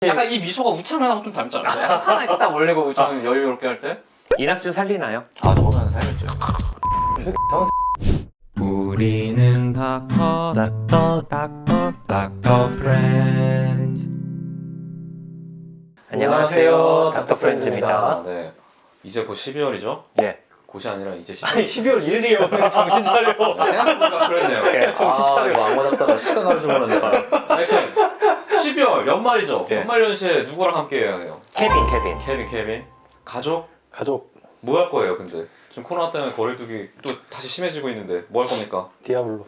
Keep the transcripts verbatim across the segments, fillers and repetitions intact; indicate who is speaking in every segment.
Speaker 1: 약간 이 미소가 우창현하고 좀 닮지 않아요? 약간 하나 딱 올리고 좀 여유롭게 할 때?
Speaker 2: 이낙준 살리나요?
Speaker 1: 아 저거는 살렸죠.
Speaker 3: 우리는 닥터 닥터 닥터 닥터 프렌즈.
Speaker 2: 안녕하세요, 닥터 프렌즈입니다.
Speaker 1: 네. 이제 곧 십이월이죠?
Speaker 2: 네.
Speaker 1: 곧이 아니라 이제 십이월.
Speaker 4: 아니 십이월 일 일이에요. 정신 차려.
Speaker 1: 생각해보니까 그랬네요.
Speaker 2: 네,
Speaker 4: 정신 차려.
Speaker 1: 아, 왕고 잡다가 시간 하루 주문은 내가. 하여튼 십이월 연말이죠.
Speaker 2: 네.
Speaker 1: 연말 연시에 누구랑 함께 해야 해요?
Speaker 2: 케빈, 케빈.
Speaker 1: 케빈, 케빈. 가족?
Speaker 4: 가족
Speaker 1: 뭐 할 거예요, 근데? 지금 코로나 때문에 거리두기 또 다시 심해지고 있는데 뭐 할 겁니까?
Speaker 4: 디아블로.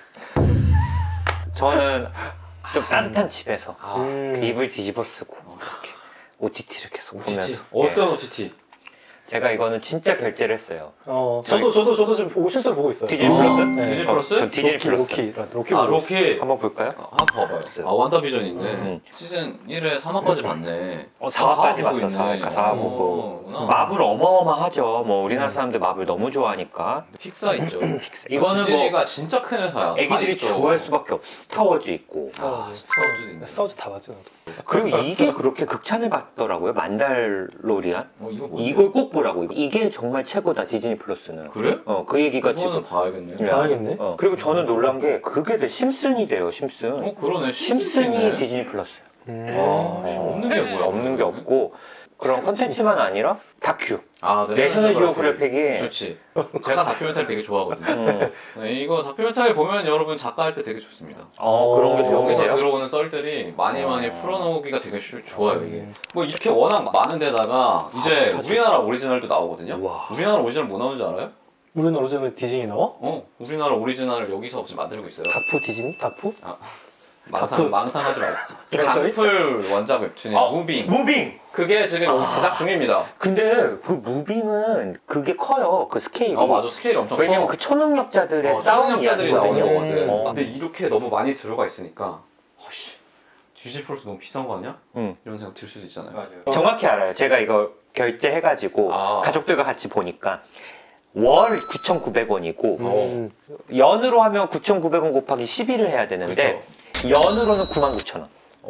Speaker 2: 저는 좀 따뜻한 집에서
Speaker 1: 아,
Speaker 4: 음.
Speaker 2: 그 이불 뒤집어 쓰고 이렇게 오티티를 계속
Speaker 1: 오티티?
Speaker 2: 보면서.
Speaker 1: 어떤
Speaker 2: 예.
Speaker 1: 오티티?
Speaker 2: 제가 이거는 진짜 결제를 했어요.
Speaker 4: 어, 저도 저도 저도 지금 보고 실제로 보고 있어요.
Speaker 2: 디즈니
Speaker 1: 어,
Speaker 2: 플러스?
Speaker 4: 네.
Speaker 1: 디즈니
Speaker 2: 어,
Speaker 1: 플러스?
Speaker 2: 전 디즈니
Speaker 4: 로키,
Speaker 2: 플러스.
Speaker 4: 로키 로키
Speaker 1: 아
Speaker 4: 보고 있어요.
Speaker 1: 로키.
Speaker 2: 한번 볼까요?
Speaker 1: 아, 한번 봐봐요. 아 완다비전이 있네.
Speaker 2: 음.
Speaker 1: 시즌 일에 삼 화까지 봤네.
Speaker 2: 어, 사 화까지
Speaker 1: 사 화 보고
Speaker 2: 봤어, 사 화.
Speaker 1: 있네.
Speaker 2: 사 화
Speaker 1: 어,
Speaker 2: 보고.
Speaker 1: 그렇구나.
Speaker 2: 마블 어마어마하죠. 뭐 우리나라 사람들 마블 너무 좋아하니까.
Speaker 1: 픽사 있죠.
Speaker 2: 픽사. 이거는
Speaker 1: 디즈니가
Speaker 2: 뭐
Speaker 1: 진짜 큰 회사야.
Speaker 2: 애기들이
Speaker 1: 다 있어.
Speaker 2: 좋아할 수밖에 없어. 스타워즈 있고.
Speaker 1: 아,
Speaker 4: 스타워즈.
Speaker 1: 스타워즈 있네.
Speaker 4: 스타워즈 다 봤죠. 나도.
Speaker 2: 그리고 이게 그렇게 극찬을 받더라고요. 만달로리안.
Speaker 1: 어 이거 뭐지?
Speaker 2: 이걸 꼭 보라고. 이게 정말 최고다, 디즈니 플러스는.
Speaker 1: 그래?
Speaker 2: 어, 그 얘기가
Speaker 1: 이거는
Speaker 2: 지금.
Speaker 1: 봐야겠네.
Speaker 2: 네.
Speaker 4: 봐야겠네.
Speaker 2: 어. 그리고 저는 놀란 게 그게 돼. 심슨이 돼요, 심슨.
Speaker 1: 어 그러네.
Speaker 2: 심슨이
Speaker 1: 심슨이네.
Speaker 2: 디즈니 플러스예요.
Speaker 4: 음.
Speaker 1: 와, 씨, 없는 게 뭐야?
Speaker 2: 없는 게 없고 그런 컨텐츠만 아니라 다큐.
Speaker 1: 아,
Speaker 2: 내셔널 지오그래픽이
Speaker 1: 좋지. 제가 다큐멘터리 되게 좋아하거든요.
Speaker 2: 음.
Speaker 1: 네, 이거 다큐멘터리 보면 여러분 작가 할 때 되게 좋습니다.
Speaker 2: 어, 그런 게 도움이
Speaker 1: 여기서
Speaker 2: 돼요?
Speaker 1: 들어오는 썰들이 많이 많이
Speaker 2: 어.
Speaker 1: 풀어놓기가 되게 쉬- 좋아요 이게. 뭐 이렇게 워낙 많은 데다가 이제
Speaker 2: 다
Speaker 1: 우리나라 오리지널도 나오거든요.
Speaker 2: 와.
Speaker 1: 우리나라 오리지널 뭐 나오는지 알아요?
Speaker 4: 우리는 오리지널 디즈니 나와?
Speaker 1: 어, 우리나라 오리지널을 여기서 지금 만들고 있어요.
Speaker 4: 다프 디즈니? 다프?
Speaker 1: 망상,
Speaker 4: 다프.
Speaker 1: 망상하지 말고.
Speaker 4: 그랬더니?
Speaker 1: 강풀 원작 웹툰의
Speaker 2: 어?
Speaker 1: 무빙.
Speaker 2: 무빙!
Speaker 1: 그게 지금 여기 제작 중입니다.
Speaker 2: 근데 그 무빙은 그게 커요. 그 스케일이.
Speaker 1: 아 맞아, 스케일이 엄청 커.
Speaker 2: 왜냐면 그 초능력자들의
Speaker 1: 어,
Speaker 2: 싸움
Speaker 1: 초능력자들이 나오는
Speaker 2: 이야기거든요.
Speaker 1: 거거든.
Speaker 2: 어.
Speaker 1: 근데 이렇게 너무 많이 들어가 있으니까 어씨 디즈니 플러스 너무 비싼 거 아니야?
Speaker 2: 응.
Speaker 1: 이런 생각 들 수도 있잖아요.
Speaker 2: 맞아요. 정확히 알아요. 제가 이거 결제해가지고
Speaker 1: 아.
Speaker 2: 가족들과 같이 보니까 월 구천구백 원이고
Speaker 4: 음.
Speaker 2: 연으로 하면 구천구백 원 곱하기 십일을 해야 되는데 연으로는 구만 구천 원.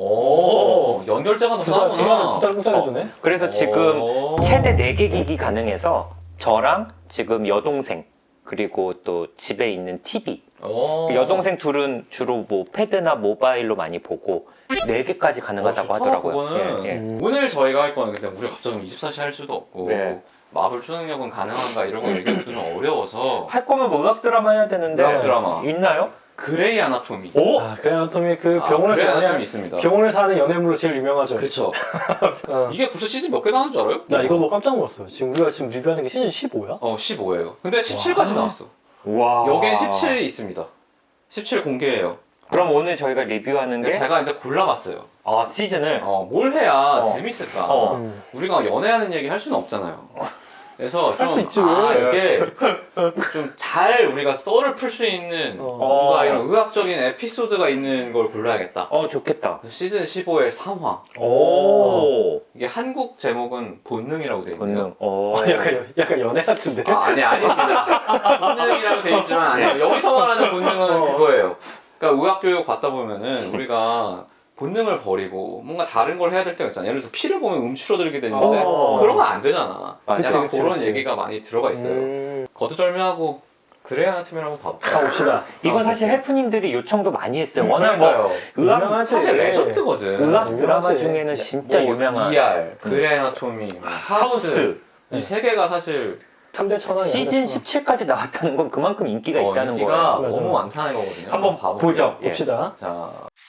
Speaker 1: 오, 연결제가 더
Speaker 4: 두 달, 두 달을
Speaker 1: 싸구나.
Speaker 4: 두달 공짜로 주네.
Speaker 2: 그래서 지금
Speaker 1: 오.
Speaker 2: 최대 네 개 기기 가능해서 저랑 지금 여동생 그리고 또 집에 있는 티비
Speaker 1: 오.
Speaker 2: 그 여동생 둘은 주로 뭐 패드나 모바일로 많이 보고 네 개까지 가능하다고
Speaker 1: 어, 좋다,
Speaker 2: 하더라고요.
Speaker 1: 그거는.
Speaker 2: 예, 예.
Speaker 4: 음.
Speaker 1: 오늘 저희가 할 거는 근데 우리가 갑자기 이십사 시 할 수도 없고
Speaker 2: 네.
Speaker 1: 마블 초능력은 가능한가 이런 거 얘기하기도 좀 어려워서
Speaker 2: 할 거면 뭐 음악 드라마 해야 되는데
Speaker 1: 음악 드라마.
Speaker 2: 있나요?
Speaker 1: 그레이 아나토미.
Speaker 2: 오?
Speaker 4: 아 그래 아나토미 그
Speaker 1: 아,
Speaker 4: 병원에서
Speaker 1: 그레이 아나토미
Speaker 4: 연애
Speaker 1: 있습니다.
Speaker 4: 병원에서 하는 연애물로 제일 유명하죠.
Speaker 1: 그쵸.
Speaker 4: 어.
Speaker 1: 이게 벌써 시즌 몇 개 나오는 줄 알아요?
Speaker 4: 나 이거 뭐 깜짝 놀랐어요. 지금 우리가 지금 리뷰하는 게 시즌 십오야?
Speaker 1: 어 십오예요. 근데 십칠까지 나왔어.
Speaker 2: 와.
Speaker 1: 여기엔 십칠이 있습니다. 십칠 공개예요.
Speaker 2: 그럼 오늘 저희가 리뷰하는
Speaker 1: 근데
Speaker 2: 게
Speaker 1: 제가 이제 골라봤어요.
Speaker 2: 아, 시즌을
Speaker 1: 어, 뭘 해야
Speaker 2: 어.
Speaker 1: 재밌을까?
Speaker 2: 어.
Speaker 4: 음.
Speaker 1: 우리가 연애하는 얘기 할 수는 없잖아요. 그래서
Speaker 4: 할 수
Speaker 1: 좀,
Speaker 4: 있지,
Speaker 1: 아,
Speaker 4: 왜?
Speaker 1: 이게 좀 잘 우리가 썰을 풀 수 있는
Speaker 4: 어.
Speaker 1: 뭔가 이런 의학적인 에피소드가 있는 걸 골라야겠다.
Speaker 2: 어, 좋겠다.
Speaker 1: 그래서 시즌 십오의 삼 화.
Speaker 2: 오.
Speaker 1: 이게 한국 제목은 본능이라고 돼 있네요.
Speaker 2: 본능. 어.
Speaker 4: 아, 약간 약간 연애 같은데.
Speaker 1: 아, 아니, 아닙니다. 본능이라고 돼 있지만, 아니요. 여기서 말하는 본능은
Speaker 4: 어.
Speaker 1: 그거예요. 그러니까 의학교육 받다 보면은 우리가 본능을 버리고 뭔가 다른 걸 해야 될 때가 있잖아. 예를 들어서 피를 보면 움츠러들게 되는데
Speaker 2: 어.
Speaker 1: 그런 건 안 되잖아.
Speaker 2: 맞아.
Speaker 1: 약간
Speaker 4: 그치,
Speaker 1: 그런
Speaker 4: 그치.
Speaker 1: 얘기가 많이 들어가 있어요.
Speaker 4: 음.
Speaker 1: 거두절미하고 그래야 하는 팀을 한번 봐볼까요?
Speaker 4: 가봅시다.
Speaker 2: 이건
Speaker 1: 아,
Speaker 2: 사실
Speaker 1: 그래요?
Speaker 2: 헬프님들이 요청도 많이 했어요. 워낙 뭐
Speaker 1: 그러니까요.
Speaker 2: 의학
Speaker 4: 유명하지.
Speaker 1: 사실 레전드거든.
Speaker 2: 의학 드라마
Speaker 4: 유명하지.
Speaker 2: 중에는 진짜
Speaker 1: 뭐
Speaker 2: 유명한
Speaker 1: 이알, 그레이 아나토미, 뭐 하우스,
Speaker 2: 하우스.
Speaker 1: 이 세 개가 사실
Speaker 4: 삼 대 천왕이야.
Speaker 2: 시즌 십칠까지 나왔다는 건 그만큼 인기가
Speaker 1: 어,
Speaker 2: 있다는
Speaker 1: 인기가
Speaker 2: 거예요.
Speaker 4: 맞아,
Speaker 1: 너무
Speaker 4: 맞아.
Speaker 1: 많다는 거거든요.
Speaker 2: 한번
Speaker 1: 봐볼게요.
Speaker 2: 보죠. 예.
Speaker 4: 봅시다.
Speaker 1: 자,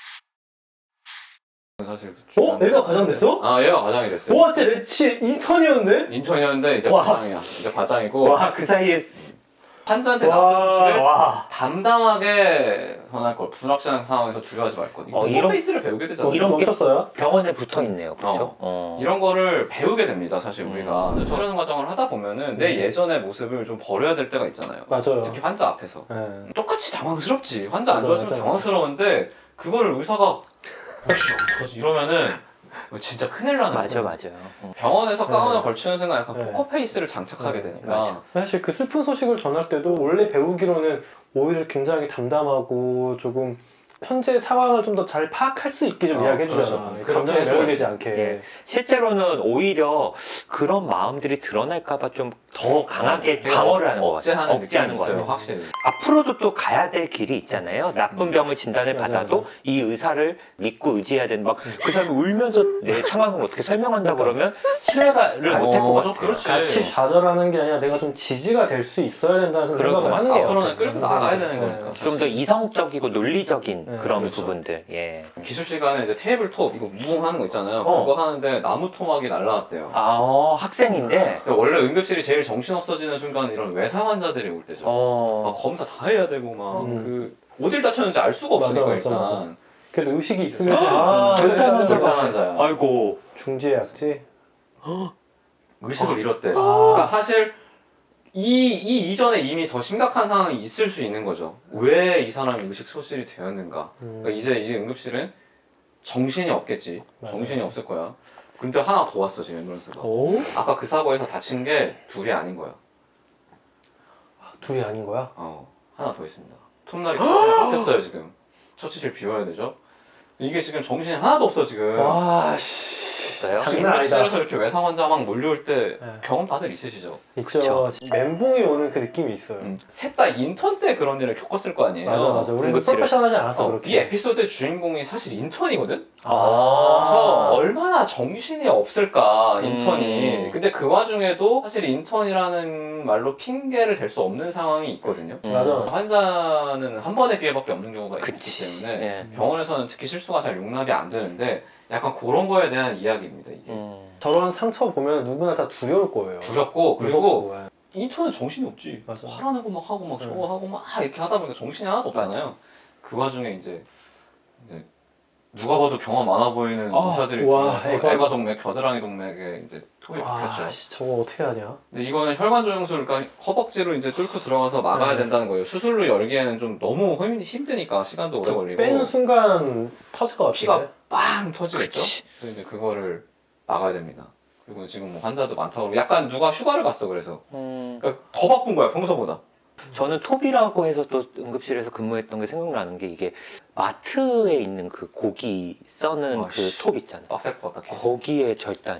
Speaker 1: 사실
Speaker 4: 어? 얘가 과장됐어?
Speaker 1: 아, 얘가 과장이 됐어요.
Speaker 4: 와, 쟤 레치 인턴이었는데?
Speaker 1: 인턴이었는데 이제
Speaker 4: 와.
Speaker 1: 과장이야. 이제 과장이고
Speaker 2: 와, 그 사이에
Speaker 1: 환자한테
Speaker 4: 와,
Speaker 1: 나쁜 소식을
Speaker 4: 와.
Speaker 1: 담담하게 전할 걸. 불확실한 상황에서 주저하지 말 것.
Speaker 2: 어,
Speaker 1: 이거
Speaker 2: 이런-
Speaker 1: 페이스를 배우게 되잖아.
Speaker 4: 어,
Speaker 2: 이런
Speaker 4: 이런
Speaker 2: 게-
Speaker 4: 멈췄어요?
Speaker 2: 병원에 붙어 있네요. 그렇죠?
Speaker 1: 어.
Speaker 2: 어.
Speaker 1: 이런 거를 배우게 됩니다. 사실 우리가
Speaker 2: 음.
Speaker 1: 수련 과정을 하다 보면은 내
Speaker 4: 음.
Speaker 1: 예전의 모습을 좀 버려야 될 때가 있잖아요.
Speaker 4: 맞아요.
Speaker 1: 특히 환자 앞에서.
Speaker 4: 네.
Speaker 1: 똑같이 당황스럽지. 환자 안
Speaker 4: 맞아,
Speaker 1: 좋아지면
Speaker 4: 맞아,
Speaker 1: 당황스러운데 그거를 의사가 어씨 어떡하지 이러면은 진짜 큰일 나는
Speaker 2: 맞아,
Speaker 1: 거예요.
Speaker 2: 맞아요. 어.
Speaker 1: 병원에서 가운을
Speaker 4: 네.
Speaker 1: 걸치는 순간 약간
Speaker 4: 네.
Speaker 1: 포커페이스를 장착하게
Speaker 4: 네,
Speaker 1: 되니까
Speaker 2: 맞아.
Speaker 4: 사실 그 슬픈 소식을 전할 때도 원래 배우기로는 오히려 굉장히 담담하고 조금 현재 상황을 좀 더 잘 파악할 수 있게 좀
Speaker 1: 어,
Speaker 4: 이야기해 주잖아.
Speaker 1: 그렇죠. 그렇게
Speaker 4: 감정이
Speaker 1: 해줘야지.
Speaker 4: 매몰되지 않게.
Speaker 2: 예. 실제로는 오히려 그런 마음들이 드러날까봐 좀 더 강하게 방어를 하는 것 같아요.
Speaker 1: 억제하는
Speaker 2: 억제하는
Speaker 1: 느낌이
Speaker 2: 것
Speaker 1: 있어요,
Speaker 2: 같아요.
Speaker 1: 확실히.
Speaker 2: 앞으로도 또 가야 될 길이 있잖아요. 나쁜
Speaker 1: 음.
Speaker 2: 병을 진단을
Speaker 4: 맞아,
Speaker 2: 받아도
Speaker 4: 맞아.
Speaker 2: 이 의사를 믿고 의지해야 되는 막 그 사람이 울면서 내 상황을 어떻게 설명한다 그러면 신뢰를
Speaker 1: 어,
Speaker 2: 못할 것 같아요.
Speaker 1: 그렇지.
Speaker 4: 같이 좌절하는 게 아니라 내가 좀 지지가 될 수 있어야 된다는
Speaker 2: 그럴
Speaker 4: 생각을
Speaker 2: 것
Speaker 4: 하는
Speaker 2: 같아요.
Speaker 4: 거
Speaker 1: 앞으로는 끌고 나가야 되는 거니까.
Speaker 2: 좀 더 이성적이고 논리적인
Speaker 4: 네,
Speaker 2: 그런
Speaker 1: 그렇죠.
Speaker 2: 부분들. 예.
Speaker 1: 기술 시간에 이제 테이블톱 이거 무궁하는 거 있잖아요.
Speaker 2: 어.
Speaker 1: 그거 하는데 나무 토막이 날라왔대요.
Speaker 2: 아, 어, 학생인데.
Speaker 1: 근데 원래 응급실이 제일 정신 없어지는 순간은 이런 외상 환자들이 올 때죠.
Speaker 2: 어.
Speaker 1: 막 검사 다 해야 되고 막
Speaker 4: 음.
Speaker 1: 그 어딜 다쳤는지 알 수가
Speaker 4: 맞아,
Speaker 1: 없으니까
Speaker 4: 맞아,
Speaker 1: 일단.
Speaker 4: 맞아. 그래도 의식이 있으면
Speaker 2: 아,
Speaker 4: 아,
Speaker 2: 절대 안
Speaker 1: 절대
Speaker 2: 환자가.
Speaker 1: 환자야.
Speaker 2: 아이고.
Speaker 4: 중지의 약지.
Speaker 1: 의식을 잃었대.
Speaker 4: 아.
Speaker 1: 그러니까 사실 이, 이 이전에 이미 더 심각한 상황이 있을 수 있는 거죠. 왜 이 사람이 의식 소실이 되었는가.
Speaker 4: 음.
Speaker 1: 그러니까 이제 이제 응급실은 정신이 없겠지.
Speaker 4: 맞아,
Speaker 1: 정신이
Speaker 4: 맞아.
Speaker 1: 없을 거야. 근데 하나 더 왔어 지금 앰뷸런스가.
Speaker 4: 오?
Speaker 1: 아까 그 사고에서 다친 게 둘이 아닌 거야.
Speaker 4: 둘이 아닌 거야?
Speaker 1: 어, 하나 더 있습니다. 톱날이 잡혔어요 지금. 처치실 비워야 되죠. 이게 지금 정신이 하나도 없어 지금.
Speaker 4: 와, 씨.
Speaker 2: 있어요?
Speaker 1: 지금
Speaker 4: 장난 아니다.
Speaker 1: 응급실에서 이렇게 외상 환자 막 몰려올 때
Speaker 4: 네.
Speaker 1: 경험 다들 있으시죠?
Speaker 4: 있죠.
Speaker 2: 그쵸.
Speaker 4: 멘붕이 오는 그 느낌이 있어요.
Speaker 1: 음. 셋 다 인턴 때 그런 일을 겪었을 거 아니에요.
Speaker 4: 맞아, 맞아. 우리는
Speaker 2: 응급실을-
Speaker 4: 프로페셔널하지 않았어,
Speaker 1: 어,
Speaker 4: 그렇게.
Speaker 1: 이 에피소드의 주인공이 사실 인턴이거든?
Speaker 2: 아.
Speaker 1: 그래서 얼마나 정신이 없을까 인턴이.
Speaker 2: 음.
Speaker 1: 근데 그 와중에도 사실 인턴이라는 말로 핑계를 댈 수 없는 상황이 있거든요.
Speaker 4: 맞아.
Speaker 1: 환자는 한 번의 기회밖에 없는 경우가 있기
Speaker 2: 그치.
Speaker 1: 때문에
Speaker 2: 예.
Speaker 1: 병원에서는 특히 실수가 잘 용납이 안 되는데 약간 그런 거에 대한 이야기입니다 이게.
Speaker 2: 음.
Speaker 4: 저런 상처 보면 누구나 다 두려울 거예요.
Speaker 1: 두렵고 그리고
Speaker 4: 무섭고, 예.
Speaker 1: 인턴은 정신이 없지.
Speaker 4: 맞아.
Speaker 1: 화라는 거 막 하고 막 저거
Speaker 4: 응.
Speaker 1: 하고 막 이렇게 하다 보니까 정신이 하나도 없잖아요. 그 와중에 이제, 이제 누가 봐도 경험 많아 보이는
Speaker 4: 아,
Speaker 1: 의사들이
Speaker 4: 와,
Speaker 1: 들어와서
Speaker 4: 애가-
Speaker 1: 애가 동맥, 겨드랑이 동맥에 이제 톱이 박혔죠.
Speaker 4: 아, 씨, 저거 어떻게 하냐?
Speaker 1: 근데 이거는 혈관 조영술, 그러니까 허벅지로 이제 뚫고 들어가서 막아야
Speaker 4: 네.
Speaker 1: 된다는 거예요. 수술로 열기에는 좀 너무 힘- 힘드니까 시간도 오래 걸리고
Speaker 4: 빼는 순간 터질 것 같은데.
Speaker 1: 피가 빵 터지겠죠.
Speaker 2: 그치.
Speaker 1: 그래서 이제 그거를 막아야 됩니다. 그리고 지금 뭐 환자도 많다고 약간 누가 휴가를 갔어 그래서
Speaker 2: 음.
Speaker 1: 그러니까 더 바쁜 거야 평소보다.
Speaker 2: 저는 톱이라고 해서 또 응급실에서 근무했던 게 생각나는 게 이게 마트에 있는 그 고기 써는
Speaker 1: 아,
Speaker 2: 그
Speaker 1: 씨.
Speaker 2: 톱 있잖아요.
Speaker 1: 빡셀 것 같다.
Speaker 2: 거기에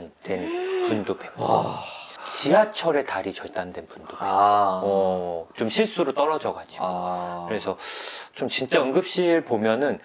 Speaker 2: 절단된 분도 뵙고
Speaker 1: 와.
Speaker 2: 지하철에 다리 절단된 분도 뵙고
Speaker 1: 아.
Speaker 2: 어, 좀 실수로 떨어져가지고
Speaker 1: 아.
Speaker 2: 그래서 좀 진짜 응급실 보면은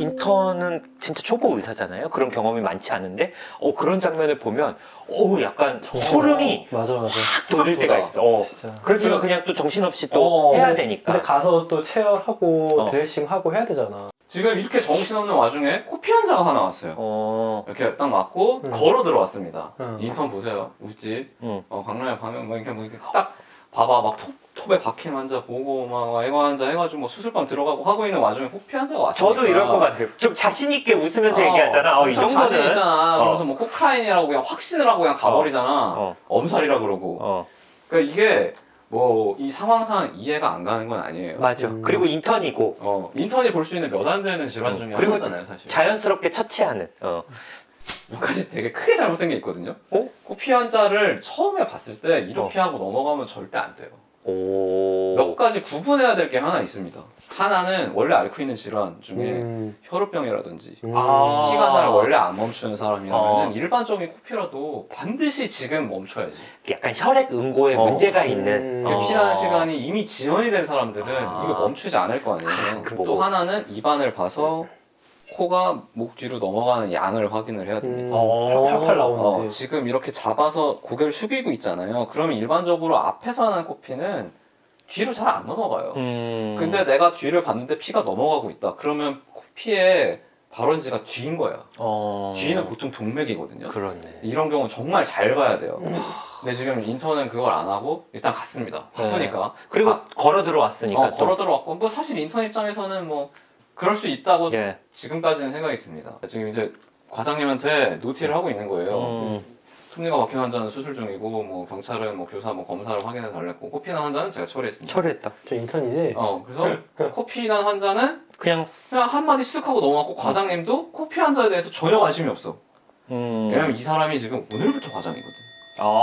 Speaker 2: 인턴은 진짜 초보 의사잖아요. 그런 경험이 많지 않은데 어 그런 장면을 보면 어 약간 소름이
Speaker 4: 맞아, 맞아.
Speaker 2: 확 돋을 때가 있어. 어.
Speaker 4: 진짜.
Speaker 2: 그렇지만 그냥 또 정신없이 또
Speaker 1: 어,
Speaker 2: 해야
Speaker 4: 근데
Speaker 2: 되니까.
Speaker 4: 가서 또 체열하고
Speaker 2: 어.
Speaker 4: 드레싱하고 해야 되잖아.
Speaker 1: 지금 이렇게 정신없는 와중에 코피 환자가 하나 왔어요.
Speaker 2: 어.
Speaker 1: 이렇게 딱 맞고
Speaker 4: 음.
Speaker 1: 걸어 들어왔습니다.
Speaker 4: 음.
Speaker 1: 인턴 보세요. 웃지.
Speaker 2: 음.
Speaker 1: 어, 강남에 가면 뭐 이렇게 뭐 이렇게 딱 봐봐 막 톱, 톱에 박힌 환자 보고 막 애가 환자 해가지고 뭐 수술방 들어가고 하고 있는 와중에 코피 환자가 왔으니까.
Speaker 2: 저도 이럴 것 같아요. 좀 자신 있게 웃으면서
Speaker 1: 어,
Speaker 2: 얘기하잖아. 어, 이
Speaker 1: 엄청
Speaker 2: 정도는.
Speaker 1: 자신 있잖아.
Speaker 2: 어.
Speaker 1: 그러면서 뭐 코카인이라고 그냥 확신을 하고 그냥 가버리잖아.
Speaker 2: 어.
Speaker 1: 엄살이라 그러고.
Speaker 2: 어.
Speaker 1: 그러니까 이게 뭐 이 상황상 이해가 안 가는 건 아니에요.
Speaker 2: 맞아.
Speaker 4: 음.
Speaker 2: 그리고 인턴이고
Speaker 1: 어, 인턴이 볼 수 있는 몇 안 되는 질환
Speaker 2: 음.
Speaker 1: 중에
Speaker 2: 그리고
Speaker 1: 하나잖아요, 사실.
Speaker 2: 자연스럽게 처치하는. 어.
Speaker 1: 몇 가지 되게 크게 잘못된 게 있거든요.
Speaker 2: 어?
Speaker 1: 코피 환자를 처음에 봤을 때 이렇게
Speaker 2: 어.
Speaker 1: 하고 넘어가면 절대 안 돼요.
Speaker 2: 오.
Speaker 1: 몇 가지 구분해야 될 게 하나 있습니다. 하나는 원래 앓고 있는 질환 중에
Speaker 4: 음.
Speaker 1: 혈우병이라든지
Speaker 4: 음.
Speaker 2: 아.
Speaker 1: 피가 잘 원래 안 멈추는 사람이라면
Speaker 2: 어.
Speaker 1: 일반적인 코피라도 반드시 지금 멈춰야지.
Speaker 2: 약간 혈액 응고에
Speaker 1: 어.
Speaker 2: 문제가
Speaker 4: 음.
Speaker 2: 있는.
Speaker 1: 이렇게
Speaker 2: 어.
Speaker 1: 피나는 시간이 이미 지연이 된 사람들은
Speaker 2: 아.
Speaker 1: 이거 멈추지 않을 거 아니에요.
Speaker 2: 아, 그
Speaker 1: 또
Speaker 2: 뭐.
Speaker 1: 하나는 입안을 봐서 코가 목 뒤로 넘어가는 양을 확인을 해야 됩니다.
Speaker 4: 음.
Speaker 2: 어.
Speaker 4: 살살
Speaker 1: 어,
Speaker 4: 나오는지.
Speaker 1: 지금 이렇게 잡아서 고개를 숙이고 있잖아요. 그러면 일반적으로 앞에서 하는 코피는 뒤로 잘 안 넘어가요.
Speaker 2: 음.
Speaker 1: 근데 내가 뒤를 봤는데 피가 넘어가고 있다. 그러면 코피의 발원지가 뒤인 거야.
Speaker 2: 어.
Speaker 1: 뒤는 보통 동맥이거든요.
Speaker 2: 그렇네.
Speaker 1: 이런 경우는 정말 잘 봐야 돼요. 근데 지금 인턴은 그걸 안 하고 일단 갔습니다. 바쁘니까.
Speaker 2: 그리고
Speaker 1: 아,
Speaker 2: 걸어 들어왔으니까.
Speaker 1: 어,
Speaker 2: 또.
Speaker 1: 걸어 들어왔고 뭐 사실 인턴 입장에서는 뭐 그럴 수 있다고
Speaker 2: 예.
Speaker 1: 지금까지는 생각이 듭니다. 지금 이제 과장님한테 노티를 하고 있는 거예요.
Speaker 2: 음.
Speaker 1: 톱니가 박힌 환자는 수술 중이고 뭐 경찰은 뭐 교사 뭐 검사를 확인해 달랬고 코피 난 환자는 제가 처리했습니다.
Speaker 2: 처리했다.
Speaker 4: 저 인턴이지?
Speaker 1: 어 그래서 코피 난 환자는
Speaker 2: 그냥.
Speaker 1: 그냥 한마디 쓱 하고 넘어갔고 과장님도 코피 환자에 대해서 전혀 관심이 없어.
Speaker 2: 음.
Speaker 1: 왜냐면 이 사람이 지금 오늘부터 과장이거든.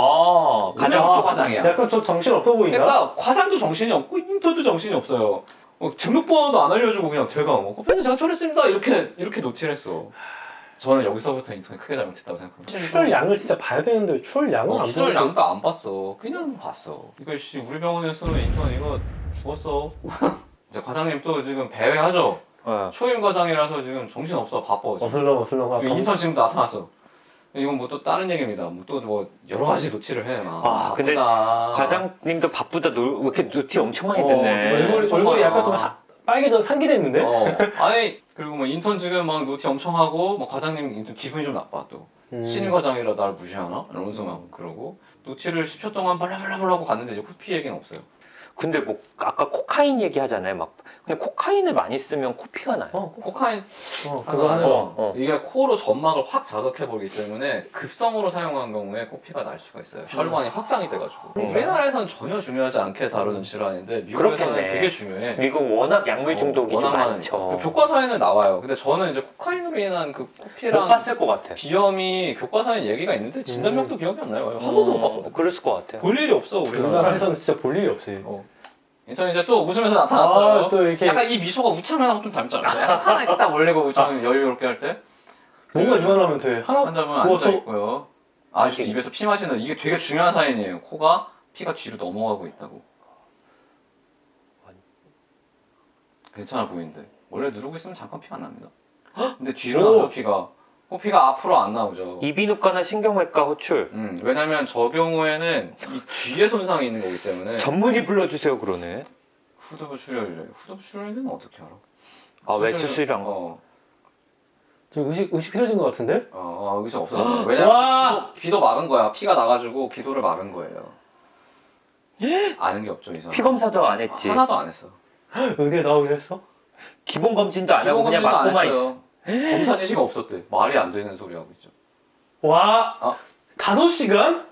Speaker 2: 아. 가장.
Speaker 1: 오늘부터 과장이야.
Speaker 4: 약간 좀 정신 없어 보인다.
Speaker 1: 그러니까 과장도 정신이 없고 인턴도 정신이 없어요. 어, 등록번호도 안 알려주고 그냥 대강 뭐 커피는 제가 처리했습니다 이렇게 이렇게 노티를 했어. 저는 여기서부터 인턴이 크게 잘못했다고 생각합니다.
Speaker 4: 출혈량을 진짜 봐야 되는데 왜 출혈량을
Speaker 1: 어,
Speaker 4: 안
Speaker 1: 출혈
Speaker 4: 보여줘?
Speaker 1: 양도 안 봤어. 그냥 봤어. 이거 씨 우리 병원에서는 인턴 이거 죽었어. 이제 과장님 또 지금 배회하죠.
Speaker 2: 어.
Speaker 1: 초임 과장이라서 지금 정신 없어 바빠. 지금.
Speaker 4: 어슬렁 어슬렁. 아,
Speaker 1: 이거 인턴 지금 나타났어. 이건 뭐 또 다른 얘기입니다. 뭐 또 뭐 여러 가지 노티를 해. 막.
Speaker 2: 아, 근데
Speaker 1: 바쁘다.
Speaker 2: 과장님도 바쁘다. 노, 왜 이렇게 노티 엄청 많이
Speaker 4: 어,
Speaker 2: 듣네.
Speaker 4: 얼굴이,
Speaker 1: 정말.
Speaker 4: 얼굴이 약간 좀 하, 빨개져 상기됐는데?
Speaker 1: 어. 아니 그리고 뭐 인턴 지금 막 노티 엄청 하고 뭐 과장님 인턴 기분이 좀 나빠 또.
Speaker 4: 음.
Speaker 1: 신임 과장이라 나를 무시하나? 이러면서 막 그러고 노티를 십 초 동안 발라발라발라 하고 갔는데 이제 코피 얘기는 없어요.
Speaker 2: 근데 뭐 아까 코카인 얘기하잖아요. 막 근데 코카인을 많이 쓰면 코피가 나요.
Speaker 4: 어,
Speaker 1: 코카인
Speaker 4: 어, 그거 하는
Speaker 1: 어,
Speaker 4: 거.
Speaker 2: 어.
Speaker 1: 이게 코로 점막을 확 자극해버리기 때문에 급성으로 사용한 경우에 코피가 날 수가 있어요. 혈관이 확장이 돼가지고.
Speaker 2: 음.
Speaker 1: 우리나라에선 전혀 중요하지 않게 다루는 질환인데 미국에서는
Speaker 2: 그렇겠네.
Speaker 1: 되게 중요해.
Speaker 2: 미국 워낙 약물 중독이
Speaker 1: 어,
Speaker 2: 좀
Speaker 1: 워낙
Speaker 2: 많죠.
Speaker 1: 많으니까. 그 교과서에는 나와요. 근데 저는 이제 코카인으로 인한 그
Speaker 2: 못
Speaker 1: 코피랑
Speaker 2: 봤을 것 같아.
Speaker 1: 비염이 교과서에 얘기가 있는데 진단명도 기억이 안 나요. 한 번도 못 봤거든.
Speaker 2: 어, 그랬을 것 같아요.
Speaker 1: 볼 일이 없어 우리나라에서.
Speaker 4: 우리나라에서는 진짜 볼 일이 없지.
Speaker 1: 어. 저는 이제 또 웃으면서 나타났어요.
Speaker 4: 아, 또 이렇게
Speaker 1: 약간 이 미소가 우창하고 좀 닮지 않아요? 약간 하나 이렇게 딱 올리고 저는 여유롭게 할 때
Speaker 4: 뭔가 이만하면 돼. 하나
Speaker 1: 환자분
Speaker 4: 뭐
Speaker 1: 앉아 있고요. 아주 입에서 피 마시는 이게 되게 중요한 사인이에요. 코가 피가 뒤로 넘어가고 있다고. 괜찮아 보이는데 원래 누르고 있으면 잠깐 피가 안 납니다. 근데 뒤로
Speaker 4: 오.
Speaker 1: 나죠 피가. 코피가 앞으로 안 나오죠.
Speaker 2: 이비인후과나 신경외과 호출.
Speaker 1: 음, 왜냐면 저 경우에는 이 뒤에 손상이 있는 거기 때문에
Speaker 2: 전문의 불러주세요 그러네.
Speaker 1: 후두부 출혈이래요. 후두부 출혈은 어떻게 알아?
Speaker 2: 아 왜
Speaker 1: 수술은-
Speaker 2: 수술이랑
Speaker 1: 어,
Speaker 4: 지금 의식 의식 흐려진 것 같은데?
Speaker 1: 어, 어 의사 없어졌어요. 왜냐면
Speaker 4: 와!
Speaker 1: 기도, 기도 막은 거야. 피가 나가지고 기도를 막은 거예요. 아는 게 없죠 이 사람.
Speaker 2: 피 검사도 안 했지.
Speaker 1: 하나도 안 했어.
Speaker 4: 의대 나오긴 했어?
Speaker 2: 기본 검진도 안 하고
Speaker 1: 기본
Speaker 2: 그냥
Speaker 1: 검진도 안
Speaker 2: 맞고만 있어.
Speaker 1: 했어요. 검사 지시가 없었대. 말이 안 되는 소리 하고 있죠.
Speaker 4: 와,
Speaker 1: 아.
Speaker 4: 다섯 시간?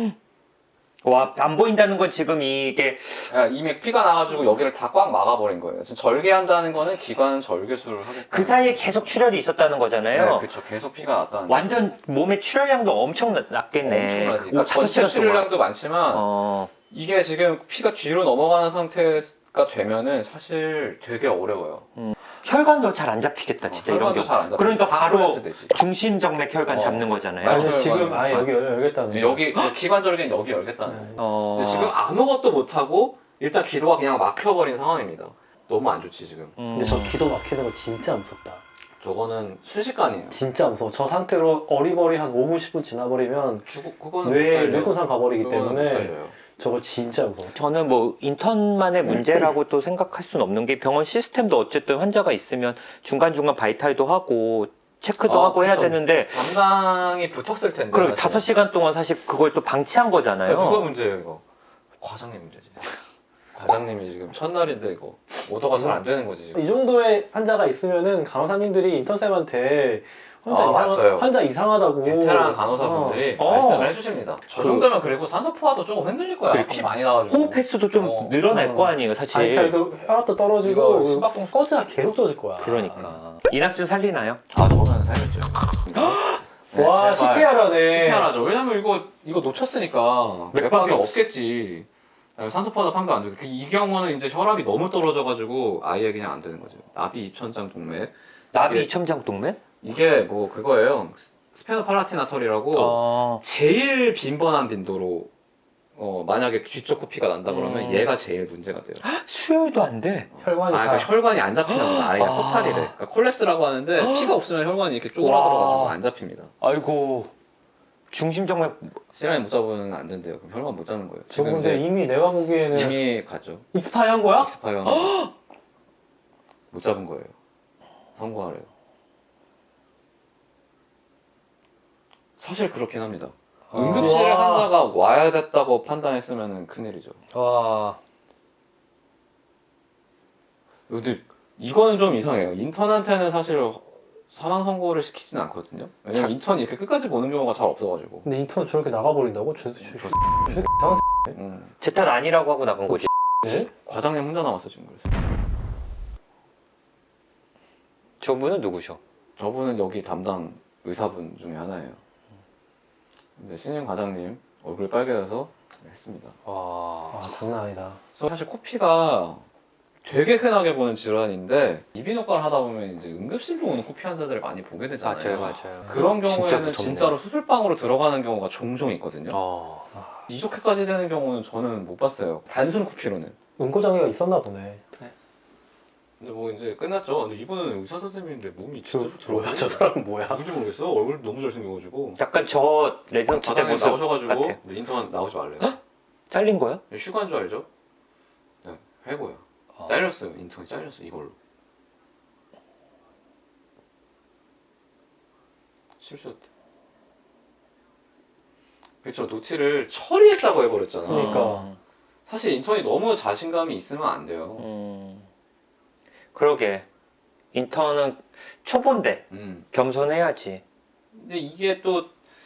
Speaker 2: 와 안 보인다는 건 지금 이게
Speaker 1: 야, 이미 피가 나가지고 여기를 다 꽉 막아버린 거예요. 지금 절개한다는 거는 기관 절개술을 하겠다.
Speaker 2: 그 사이에 계속 출혈이 있었다는 거잖아요.
Speaker 1: 네, 그렇죠. 계속 피가 났다는.
Speaker 2: 완전 몸의 출혈량도 엄청 낮- 낮겠네.
Speaker 1: 엄청나지.
Speaker 2: 오,
Speaker 1: 그러니까
Speaker 2: 다섯
Speaker 1: 전체
Speaker 2: 시간 동안.
Speaker 1: 출혈량도 많지만
Speaker 2: 어,
Speaker 1: 이게 지금 피가 뒤로 넘어가는 상태가 되면은 사실 되게 어려워요.
Speaker 2: 혈관도 잘 안 잡히겠다 진짜 이런
Speaker 1: 혈관도
Speaker 2: 경우.
Speaker 1: 잘안 잡혀.
Speaker 2: 그러니까
Speaker 1: 다
Speaker 2: 바로
Speaker 1: 콜레스 되지.
Speaker 2: 중심정맥 혈관
Speaker 1: 어.
Speaker 2: 잡는 거잖아요.
Speaker 4: 아니,
Speaker 1: 맞아요.
Speaker 4: 지금
Speaker 1: 맞아요.
Speaker 4: 아예 여기 열- 열겠다는.
Speaker 1: 여기 기관절개는 여기 열겠다는 거예요.
Speaker 2: 어,
Speaker 1: 근데 지금 아무것도 못하고 일단 기도가 그냥 막혀버린 상황입니다. 너무 안 좋지 지금.
Speaker 2: 음.
Speaker 4: 근데 저 기도 막히는 거 진짜 무섭다.
Speaker 1: 저거는 순식간이에요.
Speaker 4: 진짜 무서워. 저 상태로 어리버리 한 오 분, 십 분 지나버리면
Speaker 1: 죽어 그거는 못
Speaker 4: 뇌,
Speaker 1: 살려.
Speaker 4: 뇌 손상 가버리기
Speaker 1: 그거는 못
Speaker 4: 때문에
Speaker 1: 살려요.
Speaker 4: 저거 진짜 무서워.
Speaker 2: 저는 뭐 인턴만의 문제라고 또 생각할 수는 없는 게 병원 시스템도 어쨌든 환자가 있으면 중간중간 바이탈도 하고 체크도
Speaker 1: 아,
Speaker 2: 하고 해야
Speaker 1: 그쵸.
Speaker 2: 되는데
Speaker 1: 담당이 붙었을 텐데.
Speaker 2: 그리고
Speaker 1: 사실.
Speaker 2: 다섯 시간 동안 사실 그걸 또 방치한 거잖아요.
Speaker 1: 야, 누가 문제예요 이거? 과장님 문제지. 과장님이 지금 첫날인데 이거 오더가 잘 안 되는 거지 지금.
Speaker 4: 이 정도의 환자가 있으면은 간호사님들이 인턴쌤한테 환자,
Speaker 1: 아,
Speaker 4: 이상,
Speaker 1: 맞아요.
Speaker 4: 환자 이상하다고
Speaker 1: 베테랑 간호사분들이
Speaker 2: 어.
Speaker 1: 말씀을 해주십니다. 저
Speaker 2: 그-
Speaker 1: 정도면 그리고 산소 포화도 조금 흔들릴 거야.
Speaker 2: 그리고
Speaker 1: 피 많이 나가지고.
Speaker 2: 호흡 횟수도 좀
Speaker 1: 어.
Speaker 2: 늘어날
Speaker 4: 어.
Speaker 2: 거 아니에요 사실.
Speaker 4: 바이탈도 혈압도 떨어지고
Speaker 1: 이거 심박동
Speaker 4: 꺼즈가 계속 떨어질 거야.
Speaker 2: 그러니까 이낙준 살리나요?
Speaker 1: 아 저는 살렸죠. 네,
Speaker 4: 와
Speaker 1: 제발.
Speaker 4: 시피하라네.
Speaker 1: 시피하라죠. 왜냐면 이거 이거 놓쳤으니까
Speaker 2: 맥박이
Speaker 1: 맥박이
Speaker 2: 없-
Speaker 1: 없겠지. 산소 포화도 판도 안 돼. 그 이 경우는 이제 혈압이 너무 떨어져가지고 아예 그냥 안 되는 거죠. 나비 이천장 동맥.
Speaker 2: 나비
Speaker 1: 이게-
Speaker 2: 이첨장 동맥?
Speaker 1: 이게 뭐 그거예요. 스페노팔라티나털이라고
Speaker 2: 어.
Speaker 1: 제일 빈번한 빈도로 어 만약에 뒤쪽 코피가 난다 그러면
Speaker 2: 음.
Speaker 1: 얘가 제일 문제가 돼요.
Speaker 2: 수혈도 안 돼.
Speaker 4: 혈관이
Speaker 1: 아,
Speaker 4: 다
Speaker 1: 그러니까 혈관이 안 잡히나 보다. 아예
Speaker 2: 아.
Speaker 1: 허탈이래. 그러니까 콜랩스라고 하는데 피가 없으면 혈관이 이렇게 쪼그라들어가지고
Speaker 2: 와.
Speaker 1: 안 잡힙니다.
Speaker 2: 아이고 중심정맥
Speaker 1: 시간이 못 잡으면 안 된대요. 그럼 혈관 못 잡는 거예요.
Speaker 4: 지금
Speaker 1: 지금
Speaker 4: 근데
Speaker 1: 이제
Speaker 4: 이미 내가 보기에는
Speaker 1: 이미 가죠.
Speaker 4: 익스파이 한 거야?
Speaker 1: 익스파이어 못 잡은 거예요. 선고하래요. 사실 그렇긴 합니다.
Speaker 2: 아.
Speaker 1: 응급실에
Speaker 4: 와.
Speaker 1: 환자가 와야 됐다고 판단했으면 큰일이죠.
Speaker 2: 와.
Speaker 1: 근데 이거는 좀 이상해요. 인턴한테는 사실 사망 선고를 시키진 않거든요. 왜냐면
Speaker 2: 자-
Speaker 1: 인턴이 이렇게 끝까지 보는 경우가 잘 없어가지고.
Speaker 4: 근데 인턴 저렇게 나가버린다고? 저, 저, 저, 저 새끼 이상한
Speaker 1: 음,
Speaker 2: 제 탓 아니라고 하고 나간 거지.
Speaker 4: 새끼네?
Speaker 1: 과장님 혼자 남았어 지금 그래서.
Speaker 2: 저분은 누구셔?
Speaker 1: 저분은 여기 담당 의사분 중에 하나예요. 근데 신임 과장님 얼굴 빨개져서 했습니다.
Speaker 2: 와.
Speaker 4: 아 장난 아니다.
Speaker 1: 그래서 사실 코피가 되게 흔하게 보는 질환인데 이비인후과를 하다 보면 이제 응급실로 오는 코피 환자들을 많이 보게 되잖아요.
Speaker 2: 맞아요, 맞아요.
Speaker 1: 그런
Speaker 2: 진짜
Speaker 1: 경우에는
Speaker 2: 무섭네.
Speaker 1: 진짜로 수술방으로 들어가는 경우가 종종 있거든요.
Speaker 2: 어.
Speaker 1: 이렇게까지 되는 경우는 저는 못 봤어요. 단순 코피로는.
Speaker 4: 응고장애가 있었나 보네.
Speaker 1: 이제 뭐 이제 끝났죠. 근데 이분은 의사 선생님인데 몸이 진짜
Speaker 4: 저, 뭐야 저 사람은 뭐야?
Speaker 1: 누군지 모르겠어. 얼굴 너무 잘생겨가지고.
Speaker 2: 약간 저 레지던트 때
Speaker 1: 바닥에
Speaker 2: 모습
Speaker 1: 나오셔가지고
Speaker 2: 같아요.
Speaker 1: 네, 인터넷 나오지 말래요.
Speaker 2: 잘린 거요?
Speaker 1: 휴가인 줄 알죠? 네, 해고요.
Speaker 2: 어.
Speaker 1: 잘렸어요. 인터넷 잘렸어 이걸로. 실수였대. 그쵸, 노티를 처리했다고 해버렸잖아.
Speaker 4: 그러니까.
Speaker 2: 음.
Speaker 1: 사실 인턴이 너무 자신감이 있으면 안 돼요.
Speaker 2: 음. 그러게. 인턴은 초보인데
Speaker 1: 음.
Speaker 2: 겸손해야지.
Speaker 1: 근데 이게 또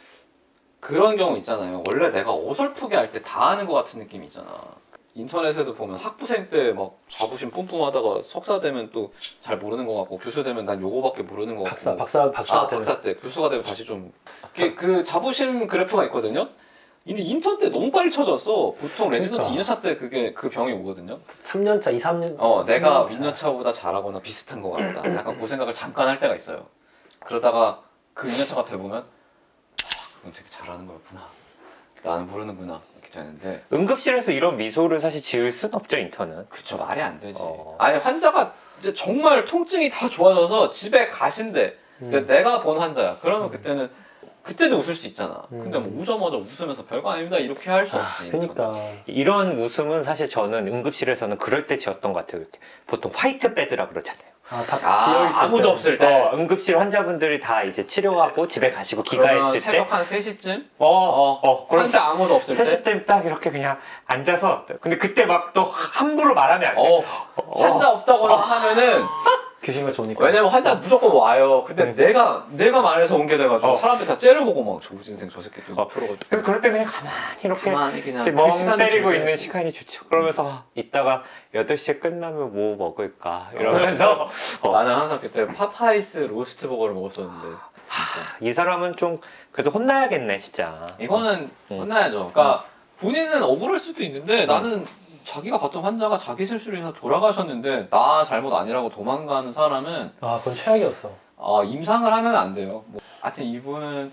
Speaker 1: 그런 경우 있잖아요. 원래 내가 어설프게 할 때 다 하는 것 같은 느낌이 있잖아. 인터넷에도 보면 학부생 때 막 자부심 뿜뿜하다가 석사 되면 또 잘 모르는 것 같고 교수 되면 난 요거밖에 모르는 것 같고.
Speaker 4: 박사 박사 박사
Speaker 1: 아,
Speaker 4: 때는
Speaker 1: 박사 때 교수가 되면 다시 좀 이게 그 자부심 그래프가 있거든요. 근데 인턴 때 너무 빨리 쳐졌어. 보통 레지던트
Speaker 4: 그러니까.
Speaker 1: 이 년차 때 그게 그 병이 오거든요.
Speaker 4: 삼 년차, 이, 삼 년.
Speaker 1: 어, 내가
Speaker 4: 삼 년차.
Speaker 1: 윗년차보다 잘하거나 비슷한 것 같다. 약간 그 생각을 잠깐 할 때가 있어요. 그러다가 그 윗년차가 돼보면 아, 그건 되게 잘하는 거였구나. 나는 모르는구나. 이렇게 되는데
Speaker 2: 응급실에서 이런 미소를 사실 지을 순 없죠, 인턴은.
Speaker 1: 그쵸, 말이 안 되지.
Speaker 2: 어.
Speaker 1: 아니 환자가 이제 정말 통증이 다 좋아져서 집에 가신대. 근데
Speaker 4: 음.
Speaker 1: 내가 본 환자야. 그러면
Speaker 4: 음.
Speaker 1: 그때는 그때도 웃을 수 있잖아.
Speaker 4: 음.
Speaker 1: 근데 뭐 오자마자 웃으면서 별거 아닙니다 이렇게 할 수
Speaker 4: 아,
Speaker 1: 없지.
Speaker 4: 그러니까.
Speaker 2: 이런 웃음은 사실 저는 응급실에서는 그럴 때 지었던 것 같아요. 이렇게. 보통 화이트 베드라 그러잖아요.
Speaker 4: 아, 다
Speaker 1: 아,
Speaker 4: 비어 있을
Speaker 1: 아무도
Speaker 4: 때.
Speaker 1: 없을 때.
Speaker 2: 어, 응급실 환자분들이 다 이제 치료하고 집에 가시고
Speaker 1: 그러면
Speaker 2: 귀가했을 때.
Speaker 1: 새벽 한 세 시쯤
Speaker 2: 어, 어, 어. 그럼
Speaker 1: 환자 아무도 없을 때.
Speaker 2: 세 시 때 딱 이렇게 그냥 앉아서. 근데 그때 막 또 함부로 말하면 안 돼.
Speaker 1: 어, 환자 없다거나 하면은
Speaker 4: 귀신과 좋으니까.
Speaker 1: 왜냐면 환자 무조건 와요. 근데
Speaker 4: 그러니까.
Speaker 1: 내가 내가 말해서 온 게 돼가지고
Speaker 2: 어.
Speaker 1: 사람들 다 째려보고 막 조진생 저 새끼 또
Speaker 2: 어.
Speaker 1: 들어가지고
Speaker 2: 그래서 그럴 때 그냥 가만히 이렇게
Speaker 1: 가만히 그냥
Speaker 2: 이렇게
Speaker 1: 그
Speaker 2: 멍
Speaker 1: 시간을
Speaker 2: 때리고
Speaker 1: 즐겨야지.
Speaker 2: 있는 시간이 좋죠. 그러면서 아, 이따가 여덟 시에 끝나면 뭐 먹을까 이러면서 어.
Speaker 1: 나는 항상 그때 파파이스 로스트 버거를 먹었었는데
Speaker 2: 하, 이 사람은 좀 그래도 혼나야겠네 진짜.
Speaker 1: 이거는
Speaker 2: 음.
Speaker 1: 혼나야죠. 그러니까 본인은 억울할 수도 있는데 나는 자기가 봤던 환자가 자기 실수로 인해서 돌아가셨는데 나 잘못 아니라고 도망가는 사람은
Speaker 4: 아, 그건 최악이었어.
Speaker 1: 아, 임상을 하면 안 돼요. 뭐, 하여튼 이분은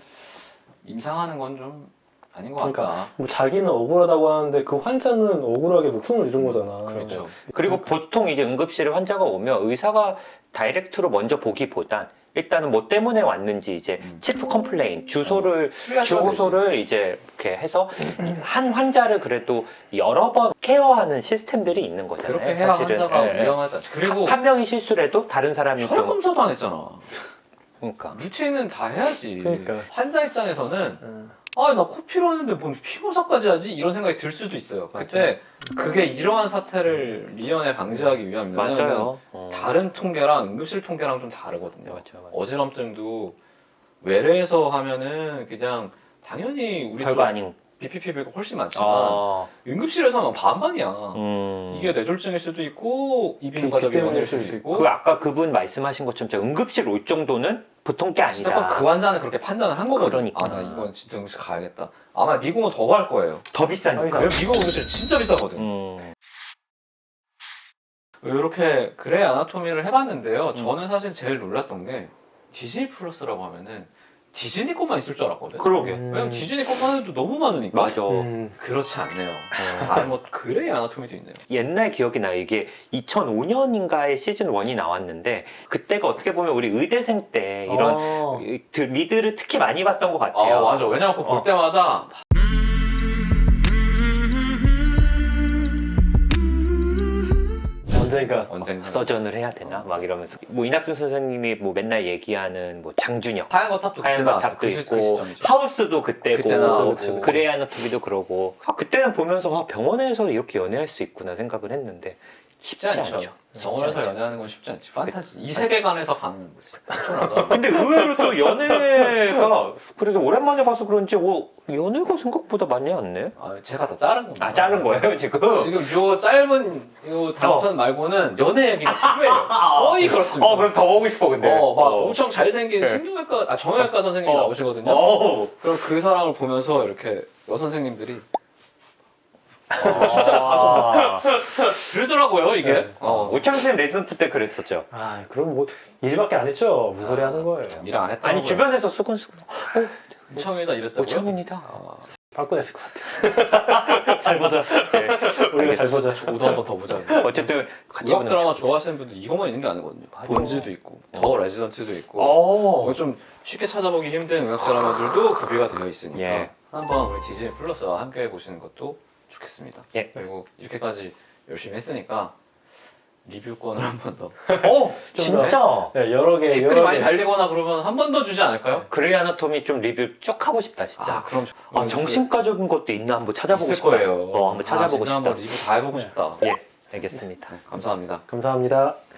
Speaker 1: 임상하는 건 좀 아닌 것
Speaker 4: 그러니까
Speaker 1: 같다.
Speaker 4: 뭐 자기는 억울하다고 하는데 그 환자는 억울하게 목숨을 잃은 거잖아.
Speaker 1: 그렇죠.
Speaker 2: 그리고 보통 이제 응급실에 환자가 오면 의사가 다이렉트로 먼저 보기보단 일단은 뭐 때문에 왔는지 이제
Speaker 1: 음.
Speaker 2: 치프 컴플레인 주소를
Speaker 1: 트리아지가
Speaker 2: 주소를 이제 이렇게 해서 한 환자를 그래도 여러 번 케어하는 시스템들이 있는
Speaker 1: 되지.
Speaker 2: 거잖아요.
Speaker 1: 그렇게 해야
Speaker 2: 사실은.
Speaker 1: 환자가
Speaker 2: 예, 예.
Speaker 1: 위험하지 않죠. 그리고
Speaker 2: 한 명이 실수를 해도 다른 사람이
Speaker 1: 혈액
Speaker 2: 좀
Speaker 1: 검사도 안 했잖아.
Speaker 2: 그러니까
Speaker 1: 루틴은 다 해야지.
Speaker 4: 그러니까.
Speaker 1: 환자 입장에서는
Speaker 4: 음.
Speaker 1: 아, 나 코피로 하는데 뭔 피검사까지 하지? 이런 생각이 들 수도 있어요. 그때 그게 이러한 사태를 미연에 방지하기 위함이에요. 왜냐면
Speaker 2: 맞아요. 어.
Speaker 1: 다른 통계랑 응급실 통계랑 좀 다르거든요.
Speaker 2: 맞아, 맞아.
Speaker 1: 어지럼증도 외래에서 하면은 그냥 당연히 우리
Speaker 2: 별거 아닌.
Speaker 1: 비피피비가 훨씬 많지만
Speaker 2: 아,
Speaker 1: 응급실에서 하면 반반이야.
Speaker 2: 음.
Speaker 1: 이게 뇌졸중일 수도 있고 이비인후과적
Speaker 4: 기 때문일
Speaker 1: 위험일 수도
Speaker 4: 수도
Speaker 1: 있고.
Speaker 2: 그 아까 그분 말씀하신 것처럼 진짜 응급실 올 정도는 보통 게
Speaker 1: 진짜
Speaker 2: 아니다.
Speaker 1: 그 환자는 그렇게 판단을 한 거거든.
Speaker 2: 그러니까.
Speaker 1: 아, 나 이건 진짜 응급실 가야겠다. 아마 미국은 더 갈 거예요.
Speaker 2: 더 비싸니까.
Speaker 1: 왜냐면 미국 응급실 진짜 비싸거든.
Speaker 2: 음.
Speaker 1: 이렇게 그레이 아나토미를 해봤는데요.
Speaker 2: 음.
Speaker 1: 저는 사실 제일 놀랐던 게 디즈니 플러스라고 하면은 디즈니 것만 있을 줄 알았거든.
Speaker 2: 그러게.
Speaker 4: 음.
Speaker 1: 왜냐면 디즈니 것만 해도 너무 많으니까.
Speaker 2: 맞아.
Speaker 4: 음.
Speaker 1: 그렇지 않네요.
Speaker 2: 어.
Speaker 1: 아니 뭐 그레이 아나토미도 있네요.
Speaker 2: 옛날 기억이 나요. 이게 이천오 년인가에 시즌 일이 나왔는데 그때가 어떻게 보면 우리 의대생 때 이런
Speaker 4: 어.
Speaker 2: 그 리드를 특히 많이 봤던 것
Speaker 1: 아
Speaker 2: 같아요.
Speaker 1: 맞아. 왜냐면 그거 볼
Speaker 2: 어.
Speaker 1: 때마다
Speaker 4: 언젠가.
Speaker 1: 언젠가
Speaker 2: 서전을 해야 되나? 막 이러면서 뭐 이낙준 선생님이 뭐 맨날 얘기하는 뭐 장준혁
Speaker 1: 하얀 거탑도 그때
Speaker 2: 하얀
Speaker 1: 나왔어.
Speaker 2: 거탑도
Speaker 1: 그, 시,
Speaker 2: 있고
Speaker 1: 그 시점이죠.
Speaker 2: 하우스도 그때고
Speaker 1: 그때 나오고.
Speaker 2: 그치, 그치. 그레이 아나토미도 그러고 아, 그때는 보면서 아, 병원에서 이렇게 연애할 수 있구나 생각을 했는데 쉽지,
Speaker 1: 쉽지 않죠.
Speaker 2: 않죠.
Speaker 1: 병원에서
Speaker 2: 쉽지 않죠.
Speaker 1: 연애하는 건 쉽지 않지. 판타지. 이 세계관에서 가는 거지. 엄청나다.
Speaker 2: 근데 의외로 또 연애가 그래도 오랜만에 봐서 그런지 어, 연애가 생각보다 많이 않네.
Speaker 1: 아, 제가 다 자른 겁니다.
Speaker 2: 아 자른 거예요 지금?
Speaker 1: 지금 요 짧은 요 다음편 말고는 연애 얘기가 지루해요. 거의 그렇습니다.
Speaker 2: 어 그럼 더 보고 싶어 근데.
Speaker 1: 어, 막
Speaker 2: 어.
Speaker 1: 엄청 잘생긴
Speaker 2: 네.
Speaker 1: 신경외과, 아, 정형외과 선생님이
Speaker 2: 어.
Speaker 1: 나오시거든요.
Speaker 2: 어.
Speaker 1: 그럼 그 사람을 보면서 이렇게 여선생님들이 진짜 가서 그러더라고요 이게.
Speaker 4: 네.
Speaker 2: 어, 우창 쌤 레지던트 때 그랬었죠.
Speaker 4: 아, 그럼 뭐 일밖에 안 했죠. 무슨 소리 하는 거예요.
Speaker 1: 일 안 했다.
Speaker 2: 아니 주변에서 수근수근 어,
Speaker 1: 우창이다 이랬다고요?
Speaker 2: 우창입니다.
Speaker 1: 아,
Speaker 4: 빠꾸냈을 것 같아요. 잘 보자.
Speaker 2: 네.
Speaker 4: 우리가 잘 보자.
Speaker 1: 저도 한번 더 보자.
Speaker 2: 어쨌든 같이
Speaker 1: 의학
Speaker 2: 보는
Speaker 1: 드라마 좋아하시는 분들 이것만 있는 게 아니거든요. 본즈도 있고 더 레지던트도 있고
Speaker 2: 어.
Speaker 1: 이거 좀 쉽게 찾아보기 힘든 의학 드라마들도 구비가 되어 있으니까
Speaker 2: 예.
Speaker 1: 한번 우리 디즈니 플러스와 함께 보시는 것도 좋겠습니다.
Speaker 2: 예.
Speaker 1: 그리고 이렇게까지 열심히 했으니까 리뷰권을 한 번 더.
Speaker 2: 어, 진짜.
Speaker 4: 네, 여러 개,
Speaker 1: 댓글이
Speaker 4: 여러
Speaker 1: 많이
Speaker 4: 개.
Speaker 1: 달리거나 그러면 한 번 더 주지 않을까요?
Speaker 2: 그레이 아나토미 좀 리뷰 쭉 하고 싶다 진짜.
Speaker 1: 아 그럼
Speaker 2: 아, 정신과적인 것도 있나 한번 찾아보고
Speaker 1: 있을
Speaker 2: 싶다.
Speaker 1: 거예요.
Speaker 2: 어, 한번 찾아보고
Speaker 1: 아, 진짜
Speaker 2: 싶다.
Speaker 1: 한번 리뷰 다 해보고
Speaker 4: 네.
Speaker 1: 싶다.
Speaker 2: 예, 알겠습니다.
Speaker 1: 네, 감사합니다.
Speaker 4: 감사합니다.